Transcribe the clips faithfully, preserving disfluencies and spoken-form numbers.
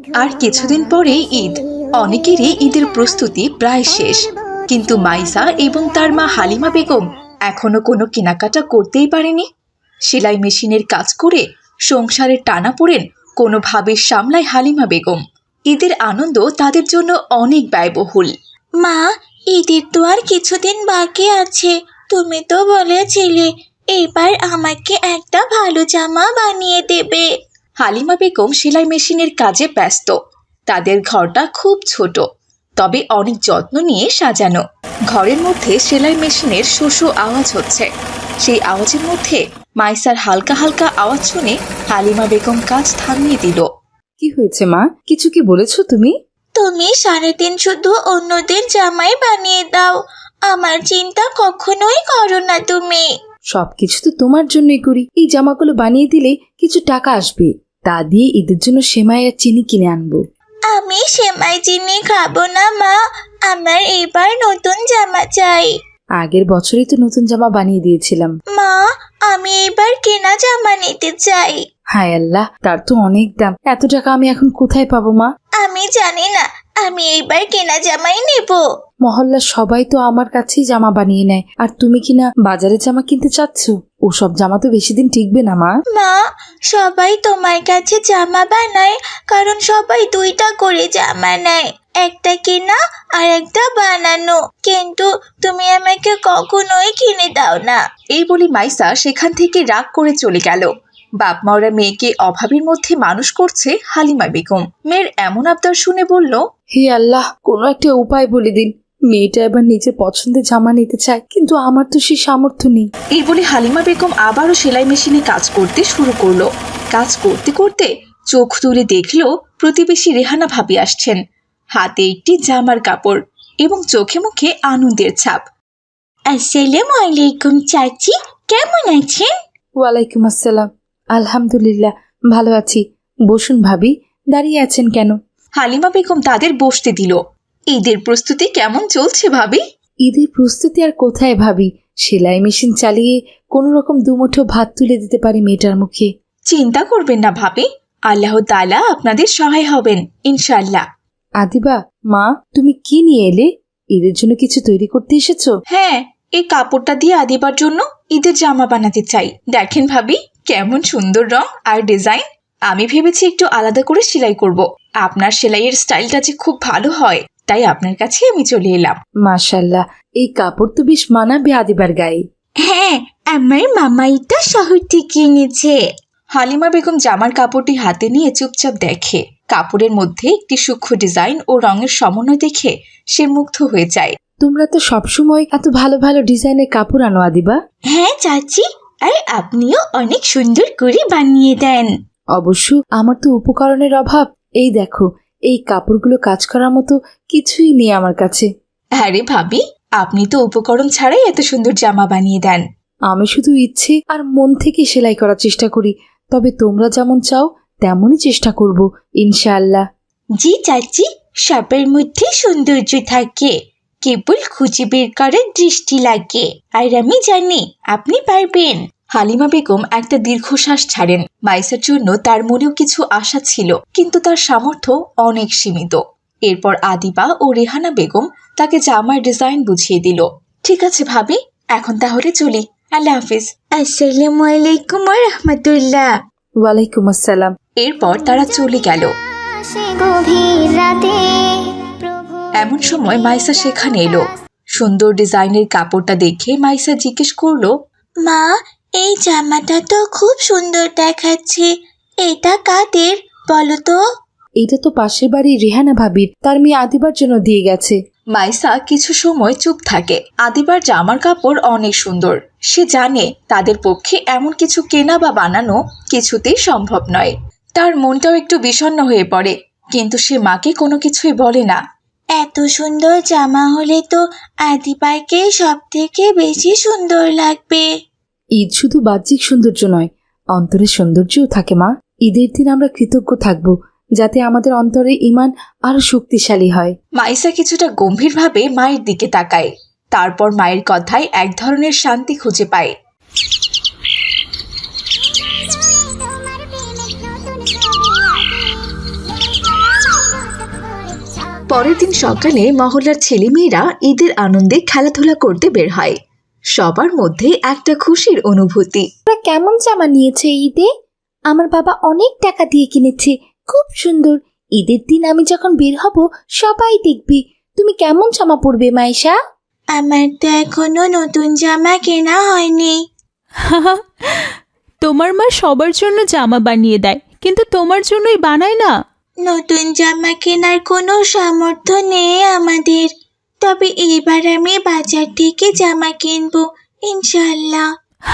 আর কিছুদিন পরেই ঈদ। অনেকেরই ঈদের প্রস্তুতি প্রায় শেষ, কিন্তু মাইসা এবং তার মা হালিমা বেগম এখনো কোনো কেনাকাটা করতেই পারেনি। সেলাই মেশিনের কাজ করে সংসারের টানাপোড়েন কোনোভাবে সামলায় হালিমা বেগম। ঈদের আনন্দ তাদের জন্য অনেক ব্যয়বহুল। মা, ঈদের তো আর কিছুদিন বাকি আছে। তুমি তো বলেছিলে এবার আমাকে একটা ভালো জামা বানিয়ে দেবে। হালিমা বেগম সেলাই মেশিনের কাজে ব্যস্ত। তাদের ঘরটা খুব ছোট, তবে অনেক যত্ন নিয়ে সাজানো। ঘরের মধ্যে সেলাই মেশিনের শো শো আওয়াজ হচ্ছে। সেই আওয়াজের মধ্যে মাইসার হালকা হালকা আওয়াজ শুনে হালিমা বেগম কাজ থামিয়ে দিল। কি হয়েছে মা? কিছু কি বলেছো তুমি? তুমি সারাদিন শুধু অন্যদের জামাই বানিয়ে দাও, আমার চিন্তা কখনোই করো না তুমি। সবকিছু তো তোমার জন্যই করি। এই জামাগুলো বানিয়ে দিলে কিছু টাকা আসবে, তা দিয়ে ঈদের জন্য সেমাই আর চিনি কিনে আনবো। আমি সেমাই চিনি খাবো না মা, আমার এবার নতুন জামা চাই। আগের বছরই তো নতুন জামা বানিয়ে দিয়েছিলাম। মা, আমি এবার কেনা জামা নিতে চাই। হায় আল্লাহ, তার তো অনেক দাম। এত টাকা আমি এখন কোথায় পাবো মা? আমি জানি না, আমি এইবার কেনা জামাই নেব। মহল্লার সবাই তো আমার কাছেই জামা বানিয়ে নেয়, আর তুমি কিনা বাজারে জামা কিনতে চাচ্ছ? ওসব জামা তো বেশি দিন টিকবে না মা। মা, সবাই তোমার কাছে জামা বানায় কারণ সবাই দুইটা করে জামা নেয়, একটা কেনা আর একটা বানানো, কিন্তু তুমি আমাকে কখনোই কিনে দাও না। এই বলে মাইসা সেখান থেকে রাগ করে চলে গেল। বাপ মাওরা মেয়েকে অভাবের মধ্যে মানুষ করছে হালিমা বেগম। মেয়ের এমন আবদার শুনে বলল, হে আল্লাহ, কোনো একটা উপায় বলে দিন। মেয়েটা এবার নিজের পছন্দের জামা নিতে চায়, কিন্তু আমার তো সেই সামর্থ্য নেই। এই বলে হালিমা বেগম আবারও সেলাই মেশিনে কাজ করতে শুরু করলো। কাজ করতে করতে চোখ তুলে দেখলো প্রতিবেশী রেহানা ভাবি আসছেন, হাতে একটি জামার কাপড় এবং চোখে মুখে আনন্দের ছাপ। আসসালামু আলাইকুম চাচি, কেমন আছেন? ওয়ালাইকুম আসসালাম। আলহামদুলিল্লাহ, ভালো আছি। বসুন ভাবি, দাঁড়িয়ে আছেন কেন? হালিমা বেগম তাদের বসতে দিল। ঈদের প্রস্তুতি কেমন চলছে ভাবি? ঈদের প্রস্তুতি আর কোথায় ভাবি, সেলাই মেশিন চালিয়ে কোনো রকম দুমুঠো ভাত তুলে দিতে পারি মেয়েটার মুখে। চিন্তা করবেন না ভাবি, আল্লাহ তাআলা আপনাদের সহায় হবেন ইনশাআল্লাহ। আদিবা, মা তুমি কি নিয়ে এলে? ঈদের জন্য কিছু তৈরি করতে এসেছো? হ্যাঁ, এই কাপড়টা দিয়ে আদিবার জন্য ঈদের জামা বানাতে চাই। দেখেন ভাবি, কেমন সুন্দর রং আর ডিজাইন। আমি ভেবেছি একটু আলাদা করে সেলাই করব। আপনার সেলাইয়ের স্টাইলটা যে খুব ভালো হয়, তাই আপনার কাছে আমি চলে এলাম। মাশাআল্লাহ, এই কাপড় তো বেশ মানাবে আদিবার গায়ে। হ্যাঁ, আমার মামা এটা শহর থেকে এনেছে। হালিমা বেগম জামার কাপড়টি হাতে নিয়ে চুপচাপ দেখে। কাপড়ের মধ্যে একটি সূক্ষ্ম ডিজাইন ও রঙের সমন্বয় দেখে সে মুগ্ধ হয়ে যায়। তোমরা তো সবসময় এত ভালো ভালো ডিজাইনের কাপড় আনো আদিবা। হ্যাঁ চাচি, আর আপনিও অনেক সুন্দর করে বানিয়ে দেন। অবশ্য আমার তো উপকরণের অভাব। এই দেখো, এই কাপড়গুলো কাজ করার মতো কিছুই নেই আমার কাছে। আরে ভাবি, আপনি তো উপকরণ ছাড়াই এত সুন্দর জামা বানিয়ে দেন। আমি শুধু ইচ্ছে আর মন থেকে সেলাই করার চেষ্টা করি, তবে তোমরা যেমন চাও তেমনই চেষ্টা করব ইনশাআল্লাহ। জি চাচি, সবের মধ্যে সৌন্দর্য থাকে, কেবল খুঁজে বের করার দৃষ্টি লাগে, আর আমি জানি আপনি পারবেন। হালিমা বেগম একটা দীর্ঘশ্বাস ছাড়েন। মাইসার জন্য তার মনেও কিছু আশা ছিল, কিন্তু তার সামর্থ্য অনেক সীমিত। এরপর আদিবা ও রেহানা বেগম তাকে জামার ডিজাইন বুঝিয়ে দিল। ঠিক আছে ভাবি, এখন তাহলে চলি। আল্লাহ হাফিজ। আসসালামু আলাইকুম ওয়া রাহমাতুল্লাহ। ওয়ালাইকুম আসসালাম। এরপর তারা চলে গেল। এমন সময় মাইসা সেখানে এলো। সুন্দর ডিজাইনের কাপড়টা দেখে মাইসা জিজ্ঞেস করলো, মা, এই জামাটা তো খুব সুন্দর দেখাচ্ছে, এটা কাদের বলো তো? এটা তো পাশের বাড়ির রেহানা ভাবির, তার মেয়ে আদিবার জন্য দিয়ে গেছে। মাইসা কিছু সময় চুপ থাকে। আদিবার জামার কাপড় অনেক সুন্দর। সে জানে তাদের পক্ষে এমন কিছু কেনা বা বানানো কিছুতেই সম্ভব নয়। তার মনটাও একটু বিষণ্ণ হয়ে পড়ে, কিন্তু সে মাকে কোনো কিছুই বলে না। এত সুন্দর জামা হলে তো আদিবারকে সব থেকে বেশি সুন্দর লাগবে। ঈদ শুধু বাহ্যিক সৌন্দর্য নয়, অন্তরের সৌন্দর্যও থাকে মা। ঈদের দিন আমরা কৃতজ্ঞ থাকব, যাতে আমাদের অন্তরে ঈমান আরো শক্তিশালী হয়। মাইসা কিছুটা গম্ভীরভাবে মায়ের দিকে তাকায়। তারপর মায়ের কথায় এক ধরনের শান্তি খুঁজে পায়। পরের দিন সকালে মহল্লার ছেলেমেয়েরা ঈদের আনন্দে খেলাধুলা করতে বের হয়। সবার মধ্যে একটা খুশির অনুভূতি। তোরা কেমন জামা নিয়েছে ঈদে? আমার বাবা অনেক টাকা দিয়ে কিনেছে, খুব সুন্দর। ঈদের দিন আমি যখন বের হব সবাই দেখবে। তুমি কেমন জামা পরবে মাইশা? আমার তো এখনো নতুন জামা কেনা হয়নি। তোমার মা সবার জন্য জামা বানিয়ে দেয়, কিন্তু তোমার জন্যই বানায় না। নতুন জামা কেনার কোনো সামর্থ্য নেই আমাদের, তবে এবার আমি বাজার থেকে জামা কিনবো ইনশাল্লাহ।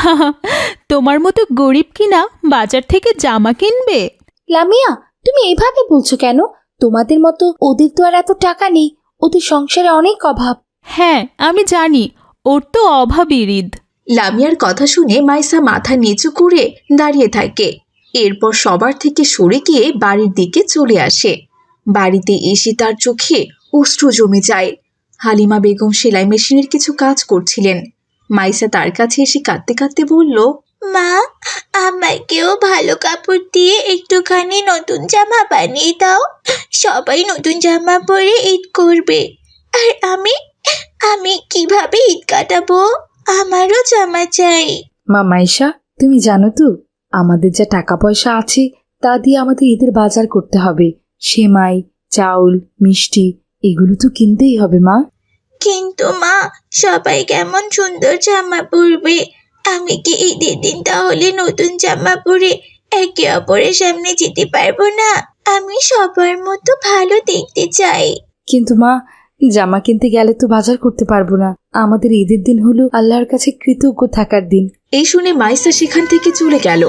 তোমার মতো গরিব কিনা বাজার থেকে জামা কিনবে? লামিয়া, তুমি এভাবে বলছো কেন? তোমাদের মতো ওদের তো আর এত টাকা নেই, ওদের সংসারে অনেক অভাব। হ্যাঁ, আমি জানি, ওর তো অভাবের ঈদ। লামিয়ার কথা শুনে মাইসা মাথা নিচু করে দাঁড়িয়ে থাকে। এরপর সবার থেকে সরে গিয়ে বাড়ির দিকে চলে আসে। বাড়িতে এসে তার চোখে অশ্রু জমে যায়। হালিমা বেগম সেলাই মেশিনের কিছু কাজ করছিলেন। মাইসা তার কাছে এসে কাঁদতে কাঁদতে বলল, মা, আমাকেও ভালো কাপড় দিয়ে একটুখানি নতুন জামা বানিয়ে দাও। সবাই নতুন জামা পরে ঈদ করবে, আর আমি আমি কিভাবে ঈদ কাটাবো? আমারও জামা চাই। মা মাইশা, তুমি জানো তো আমাদের যা টাকা পয়সা আছে তা দিয়ে আমাদের ঈদের বাজার করতে হবে। সেমাই, চাউল, মিষ্টি এগুলো তো কিনতেই হবে মা। কিন্তু মা, সবাই কেমন সুন্দর জামা পরবে। আমি কি ঈদের দিন তাহলে নতুন জামা পরে একে অপরের সামনে যেতে পারবো না? আমি সবার মতো ভালো দেখতে চাই। কিন্তু মা, জামা কিনতে গেলে তো বাজার করতে পারবো না। আমাদের ঈদের দিন হলো আল্লাহর কাছে কৃতজ্ঞ থাকার দিন। এই শুনে মাইসা সেখান থেকে চলে গেল।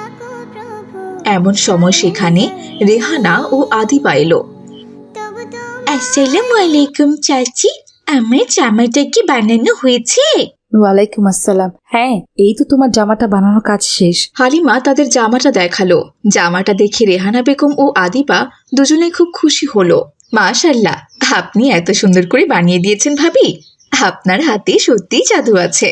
এমন সময় সেখানে রেহানা ও আদিবা এলো। আসসালামু আলাইকুম চাচি, আমার জামাটা কি বানানো হয়েছে? ওয়ালাইকুম আসসালাম। হ্যাঁ, এই তো তোমার জামাটা বানানোর কাজ শেষ। হালিমা তাদের জামাটা দেখালো। জামাটা দেখে রেহানা বেগম ও আদিবা দুজনেই খুব খুশি হলো। মাশাআল্লাহ, আপনি এত সুন্দর করে বানিয়ে দিয়েছেন ভাবি। আপনার হাতে সত্যিই জাদু আছে।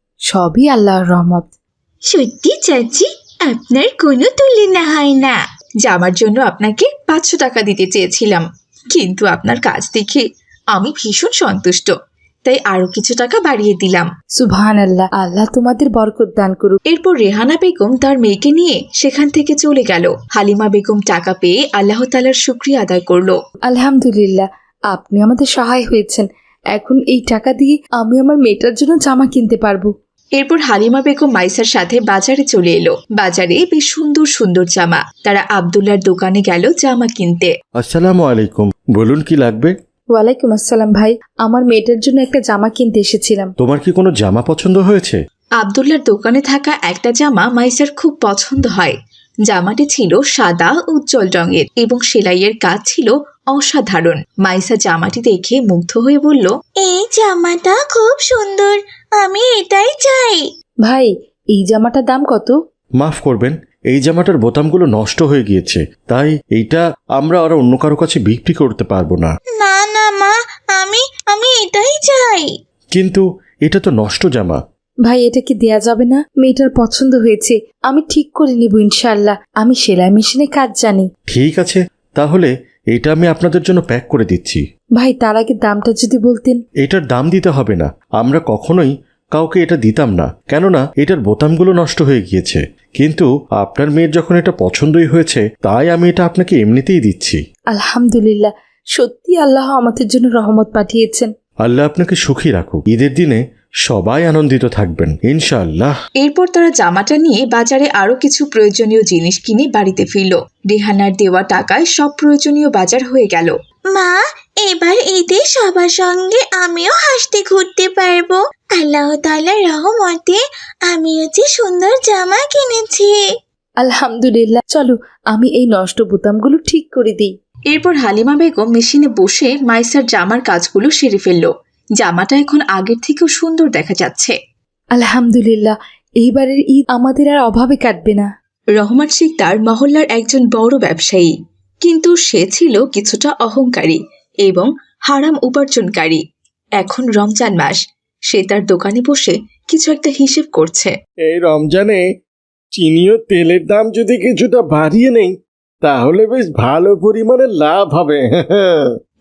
সবই আল্লাহর রহমত। সত্যি চাচি, আপনার কোনো তুলনা হয় না। জামার জন্য আপনাকে পাঁচশো টাকা দিতে চেয়েছিলাম, কিন্তু আপনার কাজ দেখে আমি ভীষণ সন্তুষ্ট, তাই আরো কিছু টাকা বাড়িয়ে দিলাম। সুবহানাল্লাহ, আল্লাহ তোমাদের বরকত দান করুক। এরপর রেহানা বেগম তার মেয়েকে নিয়ে সেখান থেকে চলে গেল। হালিমা বেগম টাকা পেয়ে আল্লাহ তাআলার শুকরিয়া আদায় করলো। আলহামদুলিল্লাহ, আপনি আমাদের সহায় হয়েছেন। এখন এই টাকা দিয়ে আমি আমার মেয়েটার জন্য জামা কিনতে পারবো। এরপর হালিমা বেগম মাইসার সাথে বাজারে চলে এলো। বাজারে বেশ সুন্দর সুন্দর জামা। তারা আব্দুল্লাহর দোকানে গেল জামা কিনতে। আসসালামু আলাইকুম, বলুন কি লাগবে? ওয়ালাইকুম আসসালাম ভাই, আমার মেয়েটার জন্য একটা জামা কিনতে এসেছিলাম। তোমার কি কোনো জামা পছন্দ হয়েছে? আব্দুল্লাহর দোকানে থাকা একটা জামা মাইসার খুব পছন্দ হয়। জামাটি ছিল সাদা উজ্জ্বল রঙের এবং সেলাইয়ের কাজ ছিল অসাধারণ। মাইসা জামাটি দেখে মুগ্ধ হয়ে বলল, এই জামাটা খুব সুন্দর, আমি এটাই চাই। ভাই, এই জামাটার দাম কত? মাফ করবেন, এই জামাটার বোতামগুলো নষ্ট হয়ে গিয়েছে, তাই এইটা আমরা আর অন্য কারো কাছে বিক্রি করতে পারবো না। না না মা, আমি আমি এটাই চাই। কিন্তু এটা তো নষ্ট জামা। ভাই, এটা কি দেয়া যাবে না? মেয়েটার পছন্দ হয়েছে, আমি ঠিক করে নিব ইনশাআল্লাহ। আমি সেলাই মেশিনে কাজ জানি। ঠিক আছে, তাহলে এটা আমি আপনাদের জন্য প্যাক করে দিচ্ছি। ভাই, তার আগে দামটা যদি বলতেন। এটার দাম দিতে হবে না, আমরা কখনোই কাউকে এটা দিতাম না, কেননা এটার বোতামগুলো নষ্ট হয়ে গিয়েছে। কিন্তু আপনার মেয়ের যখন এটা পছন্দই হয়েছে, তাই আমি এটা আপনাকে এমনিতেই দিচ্ছি। আলহামদুলিল্লাহ, সত্যি আল্লাহ আমাদের জন্য রহমত পাঠিয়েছেন। আল্লাহ আপনাকে সুখী রাখুক। ঈদের দিনে সবাই আনন্দিত থাকবেন ইনশাআল্লাহ। এরপর তারা জামাটা নিয়ে বাজারে আরো কিছু প্রয়োজনীয় জিনিস কিনে বাড়িতে ফিরল। রেহানার দেওয়া টাকায় সব প্রয়োজনীয় বাজার হয়ে গেল। মা, এবার ঈদে সবার সঙ্গে আমিও হাসতে ঘুরতে পারবো। আল্লাহ তাআলার রহমতে আমিও যে সুন্দর জামা কিনেছি। আলহামদুলিল্লাহ, চলো আমি এই নষ্ট বোতামগুলো ঠিক করে দিই। এরপর হালিমা বেগম মেশিনে বসে মাইসার জামার কাজগুলো সেরে ফেলল। জামাটা এখন আগের থেকেও সুন্দর দেখা যাচ্ছে। আলহামদুলিল্লাহ, এইবারের ঈদ আমাদের আর অভাবে কাটবে না। রহমান শিকদার মহল্লার একজন বড় ব্যবসায়ী, কিন্তু সে ছিল কিছুটা অহংকারী এবং হারাম উপার্জনকারী। এখন রমজান মাস, সে তার দোকানে বসে কিছু একটা হিসেব করছে। এই রমজানে চিনি ও তেলের দাম যদি কিছুটা বাড়িয়ে নেই, তাহলে বেশ ভালো পরিমাণে লাভ হবে।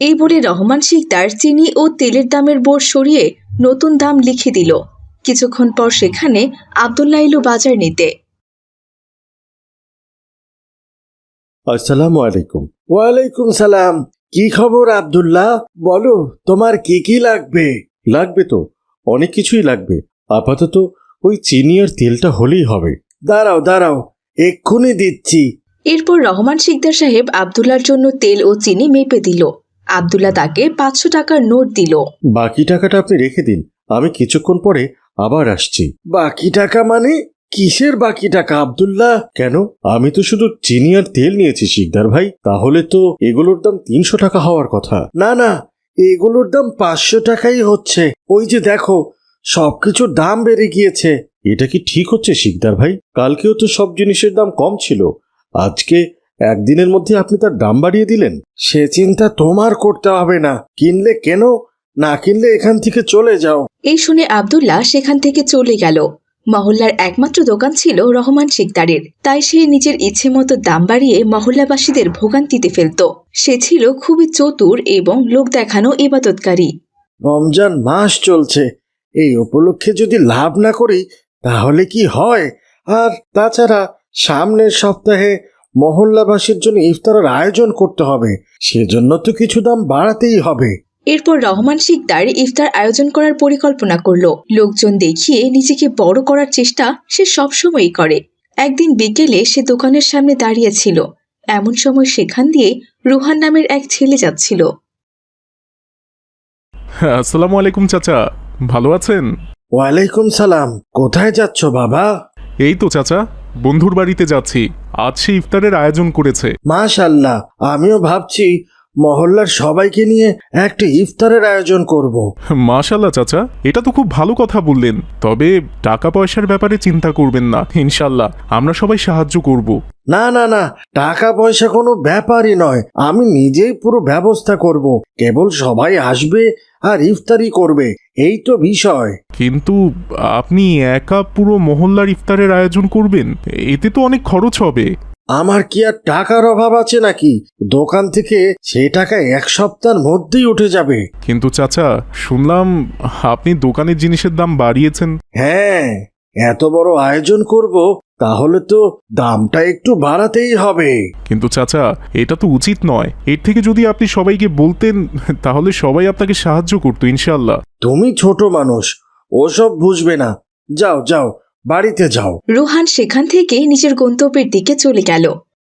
এই বলে রহমান শিকদার চিনি ও তেলের দামের বোর্ড সরিয়ে নতুন দাম লিখে দিল। কিছুক্ষণ পর সেখানে আব্দুল্লাহ এলো বাজার নিতে। আসসালামু আলাইকুম। ওয়ালাইকুম সালাম। কি খবর আব্দুল্লাহ? বলো, তোমার কি কি লাগবে? লাগবে তো, অনেক কিছুই লাগবে। আপাতত ওই চিনি আর তেলটা হলেই হবে। দাঁড়াও দাঁড়াও, এক্ষুনি দিচ্ছি। এরপর রহমান শিকদার সাহেব আব্দুল্লাহর জন্য তেল ও চিনি মেপে দিল। আব্দুল্লাহ তাকে পাঁচশো টাকার নোট দিল। বাকি টাকাটা আপনি রেখে দিন, আমি কিছুক্ষণ পরে আবার আসছি। বাকি টাকা মানে? কিসের বাকি টাকা আব্দুল্লাহ? কেন, আমি তো শুধু চিনি আর তেল নিয়েছি শিকদার ভাই, তাহলে তো এগুলোর দাম তিনশো টাকা হওয়ার কথা। না না, এগুলোর দাম পাঁচশো টাকাই হচ্ছে। ওই যে দেখো, সবকিছুর দাম বেড়ে গিয়েছে। এটা কি ঠিক হচ্ছে শিকদার ভাই? কালকেও তো সব জিনিসের দাম কম ছিল, আজকে একদিনের মধ্যে আপনি তার দাম বাড়িয়ে দিলেন। সে চিন্তা তোমার করতে হবে না। কিনলে কেন, না কিনলে এখান থেকে চলে যাও। এই শুনে আব্দুল্লাহ সেখান থেকে চলে গেল। মহল্লার একমাত্র দোকান ছিল রহমান শিকদারের, তাই সে নিজের ইচ্ছে মতো দাম বাড়িয়ে মহল্লাবাসীদের ভোগান্তিতে ফেলত। সে ছিল খুবই চতুর এবং লোক দেখানো ইবাদতকারী। রমজান মাস চলছে, এই উপলক্ষে যদি লাভ না করি তাহলে কি হয়? আর তাছাড়া সামনের সপ্তাহে মহল্লাবাসীর জন্য ইফতারের আয়োজন করতে হবে, সেজন্য তো কিছু দাম বাড়াতেই হবে। এরপর রহমান শিকদার ইফতার আয়োজন করার পরিকল্পনা করল। লোকজন দেখিয়ে নিজেকে বড় করার চেষ্টা সে সবসময়ই করে। একদিন বিকেলে সে দোকানের সামনে দাঁড়িয়েছিল। এমন সময় সেখান দিয়ে রুহান নামের এক ছেলে যাচ্ছিল। আসসালামু আলাইকুম চাচা, ভালো আছেন? ওয়ালাইকুম সালাম। কোথায় যাচ্ছ বাবা? এই তো চাচা, বন্ধুর বাড়িতে যাচ্ছি। আজ সে ইফতারের আয়োজন করেছে। মাশাআল্লাহ, আমিও ভাবছি মহল্লার সবাইকে নিয়ে একটা ইফতারের আয়োজন করব। মাশাআল্লাহ চাচা, এটা তো খুব ভালো কথা বললেন। তবে টাকা পয়সার ব্যাপারে চিন্তা করবেন না, ইনশাল্লাহ আমরা সবাই সাহায্য করব। না না না, টাকা পয়সা কোনো ব্যাপারই নয়, আমি নিজেই পুরো ব্যবস্থা করব। কেবল সবাই আসবে আর ইফতারি করবে, এই তো বিষয়। কিন্তু আপনি একা পুরো মহল্লার ইফতারের আয়োজন করবেন, এতে তো অনেক খরচ হবে। আমার কি আর টাকার অভাব আছে নাকি? দোকান থেকে সে টাকা এক সপ্তাহের মধ্যেই উঠে যাবে। কিন্তু চাচা, শুনলাম আপনি দোকানের জিনিসের দাম বাড়িয়েছেন। হ্যাঁ, এত বড় আয়োজন করব, তাহলে তো দামটা একটু বাড়াতেই হবে। কিন্তু চাচা, এটা তো উচিত নয়। এর থেকে যদি আপনি সবাইকে বলতেন, তাহলে সবাই আপনাকে সাহায্য করতো ইনশাল্লাহ। তুমি ছোট মানুষ, ওসব বুঝবে না। যাও যাও, বাড়িতে যাও। রুহান সেখান থেকে নিজের গন্তব্যের দিকে চলে গেল।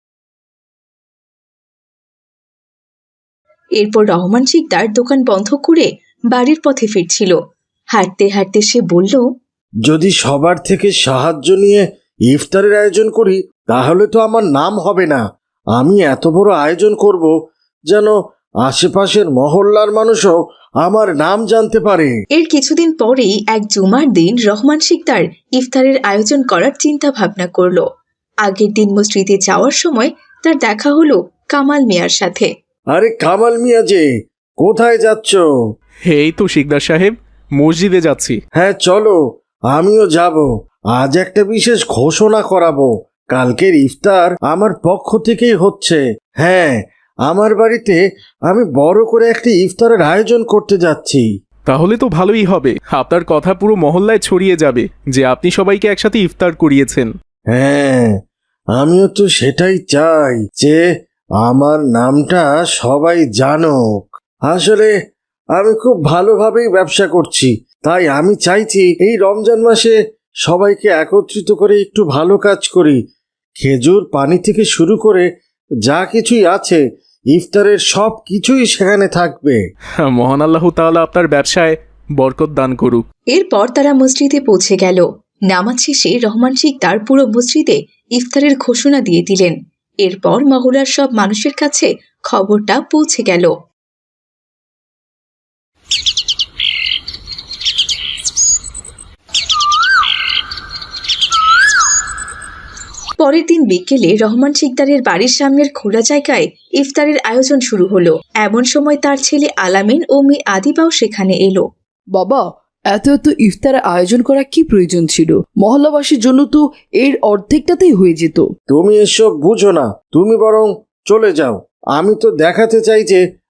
এরপর রহমান শিকদার দোকান বন্ধ করে বাড়ির পথে ফিরছিল। হাঁটতে হাঁটতে সে বলল, যদি সবার থেকে সাহায্য নিয়ে ইফতারের আয়োজন করি তাহলে তো আমার নাম হবে না। আমি এত বড় আয়োজন করব যেন আশেপাশের মহল্লার মানুষও আমার নাম জানতে পারে। এর কিছুদিন পরেই এক জুমার দিন রহমান শিকদার ইফতারের আয়োজন করার চিন্তা ভাবনা করল। আগের দিন মসজিদে যাওয়ার সময় তার দেখা হলো কামাল মিয়ার সাথে। আরে কামাল মিয়া যে, কোথায় যাচ্ছ? এই তো শিকদার সাহেব, মসজিদে যাচ্ছি। হ্যাঁ চলো, আমিও যাব। আজ একটা বিশেষ ঘোষণা করাবো। কালকের ইফতার আমার পক্ষ থেকেই হচ্ছে। হ্যাঁ, আমার বাড়িতে আমি বড় করে একটা ইফতারের আয়োজন করতে যাচ্ছি। তাহলে তো ভালোই হবে, আপনার কথা পুরো মহল্লায় ছড়িয়ে যাবে যে আপনি সবাইকে একসাথে ইফতার করিয়েছেন। হ্যাঁ, আমিও তো সেটাই চাই যে আমার নামটা সবাই জানুক। আসলে আমি খুব ভালোভাবেই ব্যবসা করছি, তাই আমি চাইছি এই রমজান মাসে সবাইকে একত্রিত করে একটু ভালো কাজ করি। খেজুর পানি থেকে শুরু করে যা কিছুই আছে, ইফতারের সব কিছুই সেখানে থাকবে। মহান আল্লাহ তাআলা আপনার ব্যবসায় বরকত দান করুক। এরপর তারা মসজিদে পৌঁছে গেল। নামাজ শেষে রহমান শিকদার পুরো মসজিদে ইফতারের ঘোষণা দিয়ে দিলেন। এরপর মহল্লার সব মানুষের কাছে খবরটা পৌঁছে গেল। পরের দিন বিকেলে রহমান শিকদারের বাড়ির সামনের খোলা জায়গায় ইফতারের আয়োজন শুরু হলো। এমন সময় তার ছেলে আলামিন ও মেয়ে আদিবাও সেখানে এলো। বাবা, এত এত ইফতারের আয়োজন করা কি প্রয়োজন ছিল? মহল্লাবাসীর জন্য তো এর অর্ধেকটাতেই হয়ে যেত। তুমি এসব বুঝো না, তুমি বরং চলে যাও। আমি তো দেখাতে চাই যে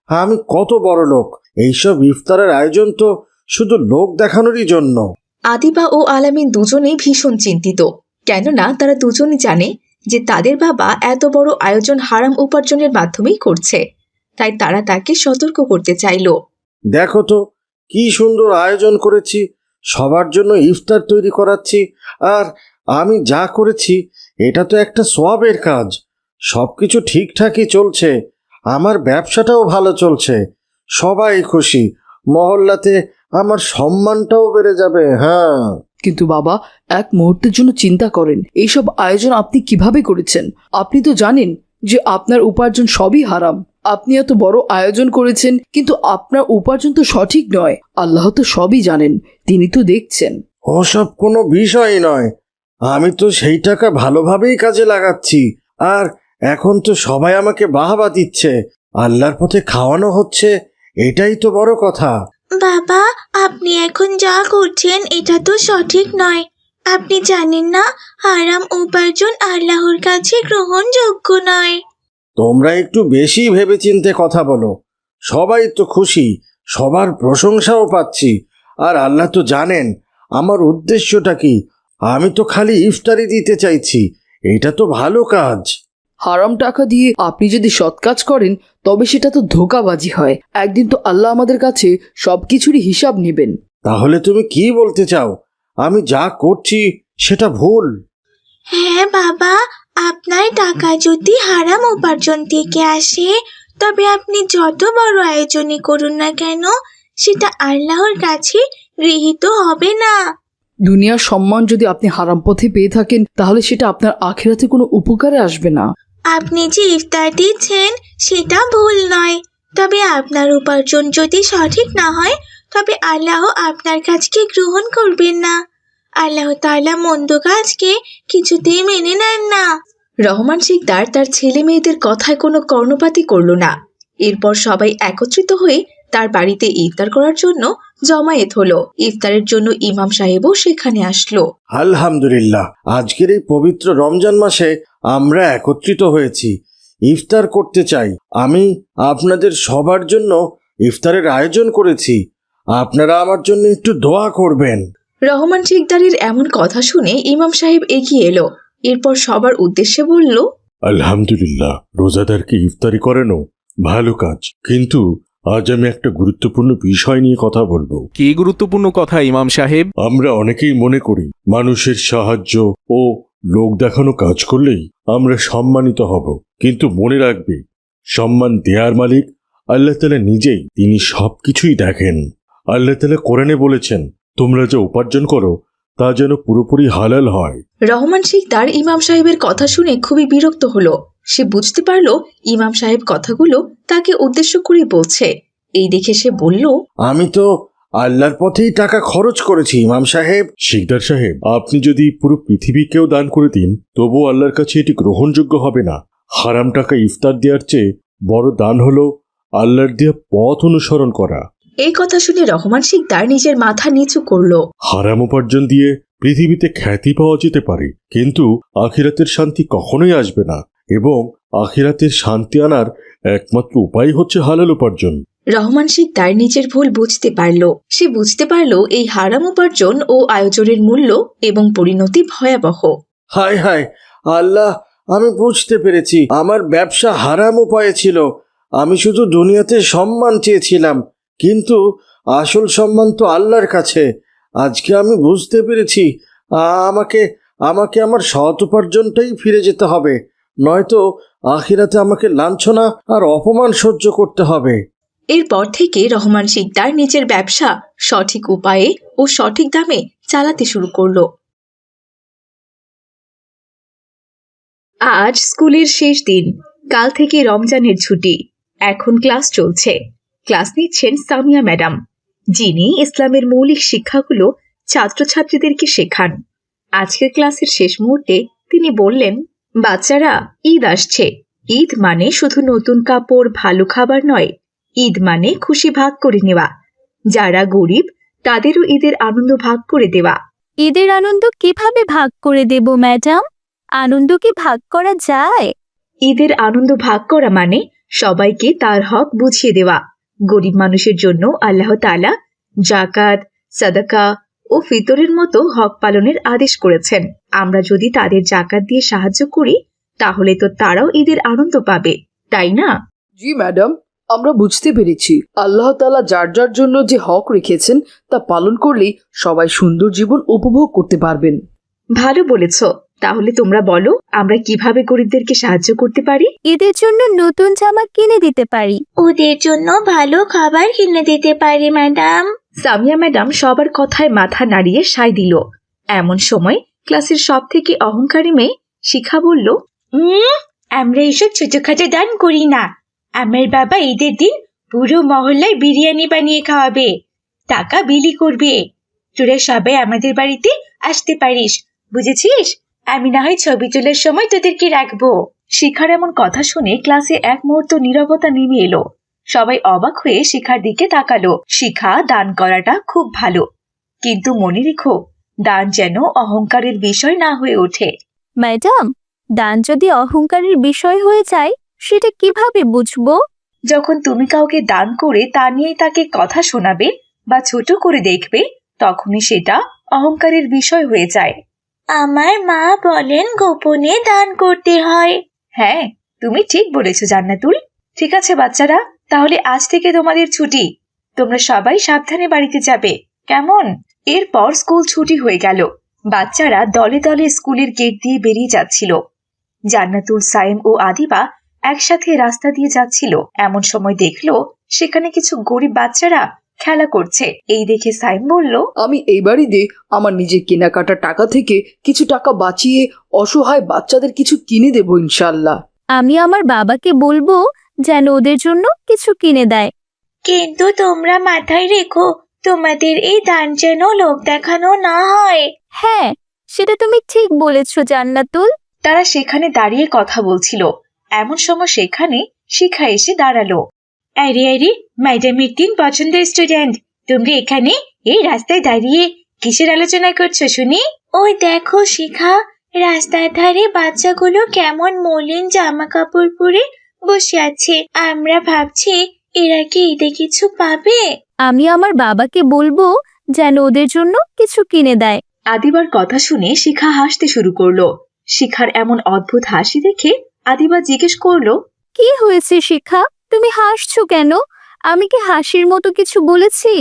আমি কত বড় লোক, এইসব ইফতারের আয়োজন তো শুধু লোক দেখানোরই জন্য। আদিবা ও আলামিন দুজনেই ভীষণ চিন্তিত, কেননা তারা দুজনই জানে যে তাদের বাবা এত বড় আয়োজন হারাম উপার্জনের মাধ্যমেই করছে, তাই তারা তাকে সতর্ক করতে চাইল। দেখো তো কি সুন্দর আয়োজন করেছি, সবার জন্য ইফতার তৈরি করাচ্ছি, আর আমি যা করেছি এটা তো একটা সওয়াবের কাজ। সব কিছু ঠিকঠাকই চলছে, আমার ব্যবসাটাও ভালো চলছে, সবাই খুশি, মহল্লাতে আমার সম্মানটাও বেড়ে যাবে। হ্যাঁ, কিন্তু বাবা, এক মুহূর্তের জন্য চিন্তা করেন, এইসব আয়োজন আপনি কিভাবে করেছেন? আপনি তো জানেন যে আপনার উপার্জন সবই হারাম। আপনি এত বড় আয়োজন করেছেন, কিন্তু আপনার উপার্জন তো সঠিক নয়। আল্লাহ তো সবই জানেন, তিনি তো দেখছেন। ওসব কোনো বিষয় নয়, আমি তো সেই টাকা ভালোভাবেই কাজে লাগাচ্ছি, আর এখন তো সবাই আমাকে বাহবা দিচ্ছে, আল্লাহর পথে খাওয়ানো হচ্ছে, এটাই তো বড় কথা। বাবা, আপনি এখন যা করছেন এটা তো সঠিক নয়। আপনি জানেন না হারাম উপার্জন আল্লাহর কাছে গ্রহণযোগ্য নয়। তোমরা একটু বেশি ভেবেচিন্তে কথা বলো, সবাই তো খুশি, সবার প্রশংসাও পাচ্ছি, আর আল্লাহ তো জানেন আমার উদ্দেশ্যটা কি। আমি তো খালি ইফতারি দিতে চাইছি, এটা তো ভালো কাজ। হারাম টাকা দিয়ে আপনি যদি সৎ কাজ করেন তবে সেটা তো ধোঁকাবাজি হয়। একদিন তো আল্লাহ আমাদের কাছে সবকিছুরই হিসাব নেবেন। তাহলে তুমি কি বলতে চাও, আমি যা করছি সেটা ভুল? হ্যাঁ বাবা, আপনার টাকা যদি হারাম উপার্জন থেকে আসে তবে আপনি যত বড় আয়োজনই করুন না কেন সেটা আল্লাহর কাছে গৃহীত হবে না। দুনিয়ার সম্মান যদি আপনি হারাম পথে পেয়ে থাকেন তাহলে সেটা আপনার আখিরাতে কোনো উপকারে আসবে না। আপনি যে ইফতার দিচ্ছেন সেটা ভুল নয়, তবে আপনার উপার্জন যদি সঠিক না হয় তবে আল্লাহ আপনার কাজকে গ্রহণ করবেন না। আল্লাহ তাআলা মন্দ কাজকে কিছুতেই মেনে নেন না। রহমান শিকদার তার ছেলে মেয়েদের কথায় কোনো কর্ণপাতই করল না। এরপর সবাই একত্রিত হয়ে তার বাড়িতে ইফতার করার জন্য জমায়েত হলো। ইফতারের জন্য ইমাম সাহেবও সেখানে আসলো। আলহামদুলিল্লাহ, আজকের এই পবিত্র রমজান মাসে আমরা একত্রিত হয়েছি, ইফতার করতে চাই। আমি আপনাদের সবার জন্য ইফতারের আয়োজন করেছি, আপনারা আমার জন্য একটু দোয়া করবেন। রহমান শিকদারের এমন কথা শুনে ইমাম সাহেব এগিয়ে এলো। এরপর সবার উদ্দেশ্যে বলল, আলহামদুলিল্লাহ, রোজাদারকে ইফতারি করানো ভালো কাজ, কিন্তু আজ আমি একটা গুরুত্বপূর্ণ বিষয় নিয়ে কথা বলবো। কি গুরুত্বপূর্ণ কথা ইমাম সাহেব? আমরা অনেকেই মনে করি মানুষের সাহায্য ও লোক দেখানো কাজ করলেই আমরা সম্মানিত হব, কিন্তু মনে রাখবে সম্মান দেয়ার মালিক আল্লাহ তাআলা নিজেই। তিনি সবকিছুই দেখেন। আল্লাহ তাআলা কোরআনে বলেছেন, তোমরা যা উপার্জন করো তা যেন পুরোপুরি হালাল হয়। রহমান শিকদার ইমাম সাহেবের কথা শুনে খুবই বিরক্ত হলো। সে বুঝতে পারলো ইমাম সাহেব কথাগুলো তাকে উদ্দেশ্য করে বলছে। এই দেখে সে বলল, আমি তো আল্লাহর পথেই টাকা খরচ করেছি ইমাম সাহেব। শিকদার সাহেব, আপনি যদি পুরো পৃথিবীকেও দান করে দিন তবুও আল্লাহর কাছে এটি গ্রহণযোগ্য হবে না। হারাম টাকা ইফতার দেওয়ার চেয়ে বড় দান হলো আল্লাহর দেয়া পথ অনুসরণ করা। এই কথা শুনে রহমান শিকদার নিজের মাথা নিচু করলো। হারাম উপার্জন দিয়ে পৃথিবীতে খ্যাতি পাওয়া যেতে পারে, কিন্তু আখিরাতের শান্তি কখনোই আসবে না, এবং আখিরাতের শান্তি আনার একমাত্র উপায় হচ্ছে হালাল উপার্জন। রহমান শিকদার নিজের ভুল বুঝতে পারল। সে বুঝতে পারল এই হারাম উপার্জন ও আয়োজনের মূল্য এবং পরিণতি ভয়াবহ। হায় হায় আল্লাহ, আমি বুঝতে পেরেছি আমার ব্যবসা হারাম উপায়ে ছিল। আমি শুধু দুনিয়াতে সম্মান চেয়েছিলাম, কিন্তু আসল সম্মান তো আল্লাহর কাছে। আজকে আমি বুঝতে পেরেছি আমাকে আমাকে আমার সৎ উপার্জনটাই ফিরে যেতে হবে, নয়তো আখিরাতে আমাকে লাঞ্ছনা আর অপমান সহ্য করতে হবে। এরপর থেকে রহমান শিকদার নিজের ব্যবসা সঠিক উপায়ে ও সঠিক দামে চালাতে শুরু করলো। আজ স্কুলের শেষ দিন। কাল থেকে রমজানের ছুটি। এখন ক্লাস চলছে। ক্লাস নিচ্ছেন সামিয়া ম্যাডাম, যিনি ইসলামের মৌলিক শিক্ষাগুলো ছাত্রছাত্রীদেরকে শেখান। আজকের ক্লাসের শেষ মুহূর্তে তিনি বললেন, বাচ্চারা, ঈদ আসছে। ঈদ মানে শুধু নতুন কাপড়, ভালো খাবার নয়। ঈদ মানে খুশি ভাগ করে নেওয়া। যারা গরিব তাদেরও ঈদের আনন্দ ভাগ করে দেওয়া। ঈদের আনন্দ কিভাবে ভাগ করে দেব ম্যাডাম? আনন্দ কি ভাগ করা যায়? ঈদের আনন্দ ভাগ করা মানে সবাইকে তার হক বুঝিয়ে দেওয়া। গরিব মানুষের জন্য আল্লাহ তাআলা জাকাত, সাদাকা ও ফিতরের মতো হক পালনের আদেশ করেছেন। আমরা যদি তাদের জাকাত দিয়ে সাহায্য করি তাহলে তো তারাও ঈদের আনন্দ পাবে, তাই না? জি ম্যাডাম, আমরা বুঝতে পেরেছি। আল্লাহ তাআলা যার যার জন্য যে হক রেখেছেন তা পালন করলেই সবাই সুন্দর জীবন উপভোগ করতে পারবেন। ভালো বলেছ। তাহলে তোমরা বলো, আমরা কিভাবে গরিবদেরকে সাহায্য করতে পারি? ঈদের জন্য নতুন জামা কিনে দিতে পারি। ওদের জন্য ভালো খাবার কিনে দিতে পারি ম্যাডাম। সামিয়া ম্যাডাম সবার কথায় মাথা নাড়িয়ে সায় দিল। এমন সময় ক্লাসের সব থেকে অহংকারী মেয়ে শিখা বলল, উম আমরা এসব ছোটখাটো দান করি না। আমার বাবা ঈদের দিন পুরো মহল্লায় বিরিয়ানি বানিয়ে খাওয়াবে, টাকা বিলি করবে। তোরা সবাই আমাদের বাড়িতে আসতে পারিস, বুঝেছিস? আমি না হয় ছবি তোলার সময় তোদেরকে রাখবো। শিখার এমন কথা শুনে ক্লাসে এক মুহূর্ত নীরবতা নেমে এলো। সবাই অবাক হয়ে শিখার দিকে তাকালো। শিখা দান করাটা খুব ভালো, কিন্তু মনে রেখো, দান যেন অহংকারের বিষয় না হয়ে ওঠে। ম্যাডাম, দান যদি অহংকারের বিষয় হয়ে যায় সেটা কিভাবে বুঝবো? যখন তুমি কাউকে দান করে তা নিয়ে তাকে কথা শোনাবে বা ছোট করে দেখবে, তখনই সেটা অহংকারের বিষয় হয়ে যায়। আমার মা বলেন গোপনে দান করতে হয়। হ্যাঁ, তুমি ঠিক বলেছো জান্নাতুল। ঠিক আছে বাচ্চারা, তাহলে আজ থেকে তোমাদের ছুটি। তোমরা সবাই সাবধানে বাড়িতে যাবে, কেমন? এরপর স্কুল ছুটি হয়ে গেল। বাচ্চারা দলে দলে স্কুলের গেট দিয়ে বেরিয়ে যাচ্ছিল। জান্নাতুল, সাইম ও আদিবা একসাথে রাস্তা দিয়ে যাচ্ছিল। এমন সময় দেখলো সেখানে কিছু গরিব বাচ্চারা খেলা করছে। এই দেখে সাইম বলল, আমি এই বাড়িতে আমার নিজের কেনাকাটা টাকা থেকে কিছু টাকা বাঁচিয়ে অসহায় বাচ্চাদের কিছু কিনে দেবো ইনশাল্লাহ। আমি আমার বাবাকে বলবো যেন ওদের জন্য কিছু কিনে দেয়। কিন্তু তোমরা মাথায় রেখো, তোমাদের এই দান যেন লোক দেখানো না হয়। হ্যাঁ, সেটা তুমি ঠিক বলেছো জান্নাতুল। তারা সেখানে দাঁড়িয়ে কথা বলছিল। এমন সময় সেখানে শিখা এসে দাঁড়ালো। আরে আরে, ম্যাডামের তিন পছন্দের স্টুডেন্ট, তোমরা এখানে এই রাস্তায় দাঁড়িয়ে কিসের আলোচনা করছো শুনি? ওই দেখো শিখা, রাস্তার ধারে বাচ্চাগুলো কেমন মলিন জামা কাপড় পরে বসে আছে। আমরা ভাবছি এরা কি ঈদে কিছু পাবে। আমি আমার বাবাকে বলবো যেন ওদের জন্য কিছু কিনে দেয়। আদিবার কথা শুনে শিখা হাসতে শুরু করলো। শিখার এমন অদ্ভুত হাসি দেখে আদিবা জিজ্ঞেস করলো, কি হয়েছে শিখা, তুমি হাসছো কেন? আমি কি হাসির মতো কিছু বলেছি?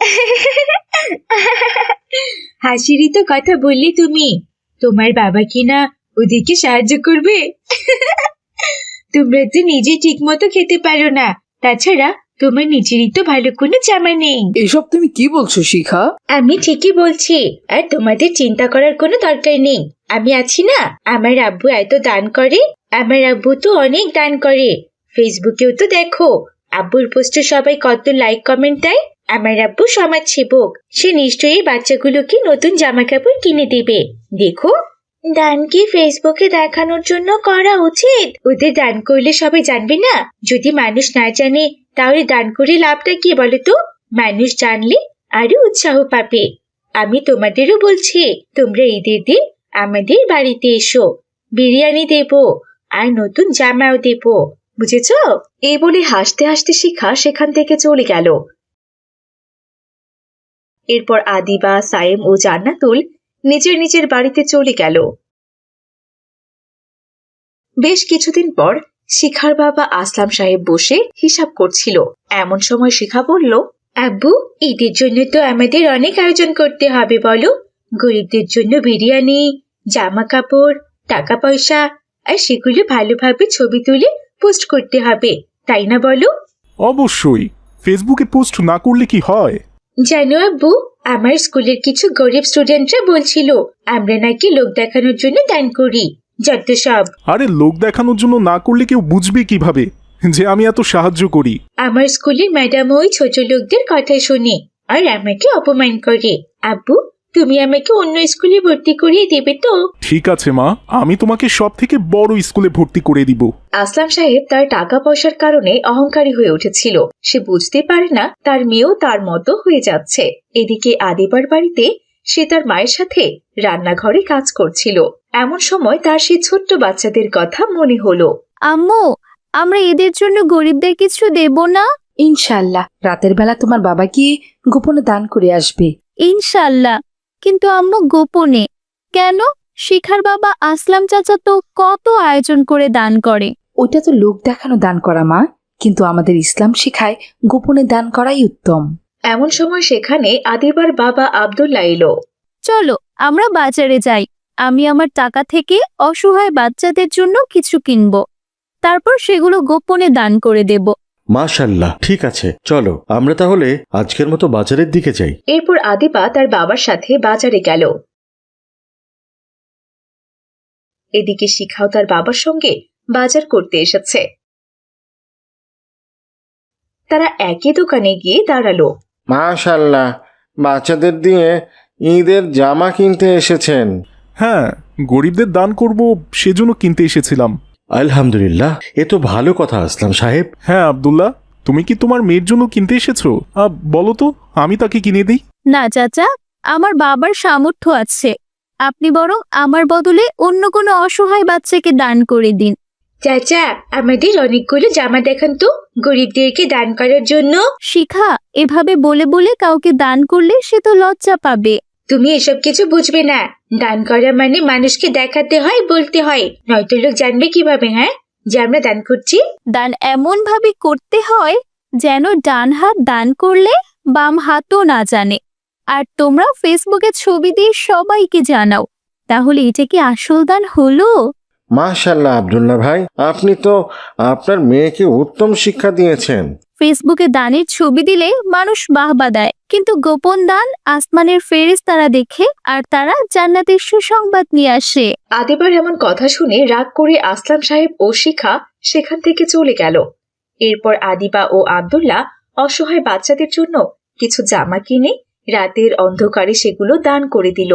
হাসিরই তো কথা বললে তুমি। তোমার বাবা কি না ওদেরকে সাহায্য করবে? তোমরা তো নিজে ঠিক মতো খেতে পারো না, তাছাড়া তোমার নিজেরই তো ভালো কোনো জামা নেই। এসব তুমি কি বলছো শিখা? আমি ঠিকই বলছি, আর তোমাদের চিন্তা করার কোনো দরকার নেই। আমি আছি না, আমার আব্বু এত দান করে। আমার আব্বু তো অনেক দান করে। ফেসবুকেও তো দেখো, আব্বুর পোস্টে সবাই কত লাইক কমেন্ট দেয়। আমার আব্বু সমাজ সেবক, সে নিশ্চয়ই বাচ্চাগুলোকে নতুন জামা কাপড় কিনে দেবে। দেখো, দান কি ফেসবুকে দেখানোর জন্য করা উচিত? ওদের দান করলে সবাই জানবে না? যদি মানুষ না জানে তাহলে দান করে লাভটা কি বলো তো? মানুষ জানলে আরো উৎসাহ পাবে। আমি তোমাদেরও বলছি, তোমরা ঈদের দিন আমাদের বাড়িতে এসো, বিরিয়ানি দেব আর নতুন জামাও দেব, বুঝেছো? এই বলে হাসতে হাসতে শিখা সেখান থেকে চলে গেল। এরপর আদিবা, সাইম ও জান্নাতুল নিজের নিজের বাড়িতে চলে গেল। বেশ কিছুদিন পর শিখার বাবা আসলাম সাহেব বসে হিসাব করছিল। এমন সময় শিখা বলল, আব্বু, ঈদের জন্য তো আমাদের অনেক আয়োজন করতে হবে বলো। গরিবদের জন্য বিরিয়ানি, জামা কাপড়, টাকা পয়সা, আর সেগুলো ভালোভাবে ছবি তুলে পোস্ট করতে হবে, তাই না বলো? অবশ্যই, ফেসবুকে পোস্ট না করলে কি হয়? জানো আব্বু, আমার স্কুলের কিছু গরিব স্টুডেন্টরা বলছিল আমরা নাকি লোক দেখানোর জন্য দান করি। যত সব। আরে লোক দেখানোর জন্য না করলে কেউ বুঝবে কিভাবে যে আমি এত সাহায্য করি? আমার স্কুলের ম্যাডাম ওই ছোট লোকদের কথা শুনে আর আমাকে অপমান করে। আব্বু, তুমি আমাকে অন্য স্কুলে ভর্তি করিয়ে দেবে তো? ঠিক আছে মা, আমি তোমাকে সব থেকে বড় স্কুলে ভর্তি করে দিব। আসলাম সাহেব তার টাকা পয়সার কারণে অহংকারী হয়ে উঠেছিল। সে বুঝতে পারে না তার মেয়েও তার মতো হয়ে যাচ্ছে। এদিকে আদিবার বাড়িতে সে তার মায়ের সাথে রান্নাঘরে কাজ করছিল। এমন সময় তার সেই ছোট্ট বাচ্চাদের কথা মনে হলো। আম্মু, আমরা এদের জন্য গরিবদের কিছু দেব না? ইনশাল্লাহ রাতের বেলা তোমার বাবা গিয়ে গোপনে দান করে আসবে। ইনশাল্লাহ। কিন্তু আম্মু গোপনে কেন? শিখার বাবা আসলাম চাচা তো কত আয়োজন করে দান করে। ওইটা তো লোক দেখানো দান করা মা, কিন্তু আমাদের ইসলাম শেখায় গোপনে দান করাই উত্তম। এমন সময় সেখানে আদিবার বাবা আব্দুল্লাহ এলো। চলো আমরা বাজারে যাই, আমি আমার টাকা থেকে অসহায় বাচ্চাদের জন্য কিছু কিনবো, তারপর সেগুলো গোপনে দান করে দেব। মাশাল্লাহ, ঠিক আছে, চলো আমরা তাহলে আজকের মতো বাজারের দিকে যাই। এরপর আদিবা তার বাবার সাথে বাজারে গেল। এদিকে শিখাও তার বাবার সঙ্গে বাজার করতে এসেছে। তারা একই দোকানে গিয়ে দাঁড়ালো। মাশাল্লাহ, বাচ্চাদের দিয়ে ঈদের জামা কিনতে এসেছেন। হ্যাঁ, গরিবদের দান করব সেজন্য কিনতে এসেছিলাম। আলহামদুলিল্লাহ, এ তো ভালো কথা আসলাম সাহেব। হ্যাঁ আব্দুল্লাহ, তুমি কি তোমার মেয়ের জন্য কিনতে এসেছো? আ, বলো তো, আমি তাকে কিনে দিই। না চাচা, আমার বাবার সামর্থ্য আছে, আপনি বরং আমার বদলে অন্য কোনো অসহায় বাচ্চাকে দান করে দিন। চাচা, আমাদের অনেকগুলো জামা দেখান তো গরিবদেরকে দান করার জন্য। শিখা, এভাবে বলে বলে কাউকে দান করলে সে তো লজ্জা পাবে। তুমি এসব কিছু বুঝবে না। দান করা মানে মানুষকে দেখাতে হয়, বলতে হয়, নয়তো লোক জানবে কিভাবে হ্যাঁ যে আমরা দান করছি। দান এমন ভাবে করতে হয় যেন ডান হাত দান করলে বাম হাতও না জানে। আর তোমরা ফেসবুকে ছবি দিয়ে সবাইকে জানাও, তাহলে এটা কি আসল দান হলো? মাশাল্লাহ আব্দুল্লাহ ভাই, আপনি তো আপনার মেয়েকে উত্তম শিক্ষা দিয়েছেন। ফেসবুকে দানের ছবি দিলে মানুষ বাহবা দেয়, কিন্তু গোপন দান আসমানের ফেরেশতারা দেখে আর তারা জান্নাতের সুসংবাদ নিয়ে আসে। আদিবার এমন কথা শুনে রাগ করে আসলাম সাহেব ও শিখা সেখান থেকে চলে গেল। এরপর আদিবা ও আব্দুল্লাহ অসহায় বাচ্চাদের জন্য কিছু জামা কিনে রাতের অন্ধকারে সেগুলো দান করে দিল।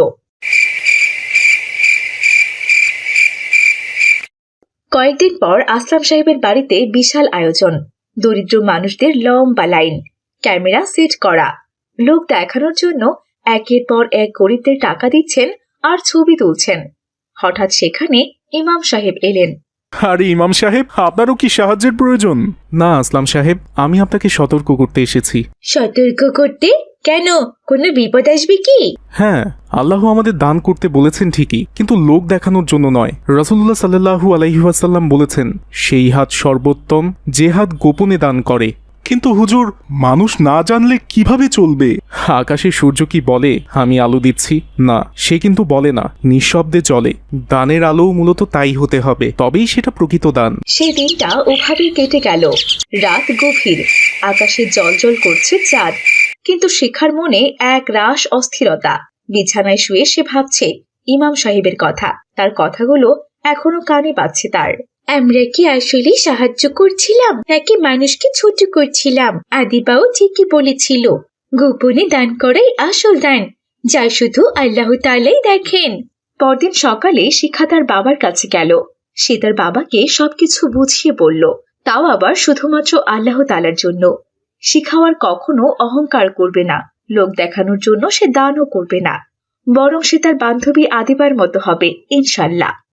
কয়েকদিন পর আসলাম সাহেবের বাড়িতে বিশাল আয়োজন, দরিদ্র মানুষদের লম্বা লাইন, ক্যামেরা সেট করা, লোক দেখানোর জন্য একের পর এক গরিবদের টাকা দিচ্ছেন আর ছবি তুলছেন। হঠাৎ সেখানে ইমাম সাহেব এলেন। আরে ইমাম সাহেব, আপনারও কি সাহায্যের প্রয়োজন? না আসলাম সাহেব, আমি আপনাকে সতর্ক করতে এসেছি। সতর্ক করতে? কেন, কোনো বিপদ আসবে কি? হ্যাঁ, আল্লাহ আমাদের দান করতে বলেছেন ঠিকই, কিন্তু লোক দেখানোর জন্য নয়। রাসূলুল্লাহ সাল্লাল্লাহু আলাইহি ওয়াসাল্লাম বলেছেন, সেই হাত সর্বোত্তম যে হাত গোপনে দান করে। কিন্তু হুজুর, মানুষ না জানলে কিভাবে চলবে? আকাশে সূর্য কি বলে আমি আলো দিচ্ছি? না, সে কিন্তু বলে না, নিঃশব্দে চলে। দানের আলো মূলত তাই হতে হবে, তবেই সেটা প্রকৃত দান। সেই দিনটা ওভাবেই কেটে গেল। রাত গভীর, আকাশে জলজল করছে চাঁদ, কিন্তু শিখার মনে এক রাশ অস্থিরতা। বিছানায় শুয়ে সে ভাবছে ইমাম সাহেবের কথা, তার কথাগুলো এখনো কানে বাজছে তার। আমরা কি আসলে সাহায্য করছিলাম নাকি মানুষকে ছোট করছিলাম? আদিবাও ঠিকই বলেছিল, গোপনে দান করাই আসল দান, যা শুধু আল্লাহ তাআলাই দেখেন। পরদিন সকালে শিখা তার বাবার কাছে গেল। সে তার বাবাকে সবকিছু বুঝিয়ে বলল, তাও আবার শুধুমাত্র আল্লাহ তাআলার জন্য। শিখা আর কখনো অহংকার করবে না, লোক দেখানোর জন্য সে দানও করবে না, বরং সে তার বান্ধবী আদিবার মতো হবে ইনশাল্লাহ।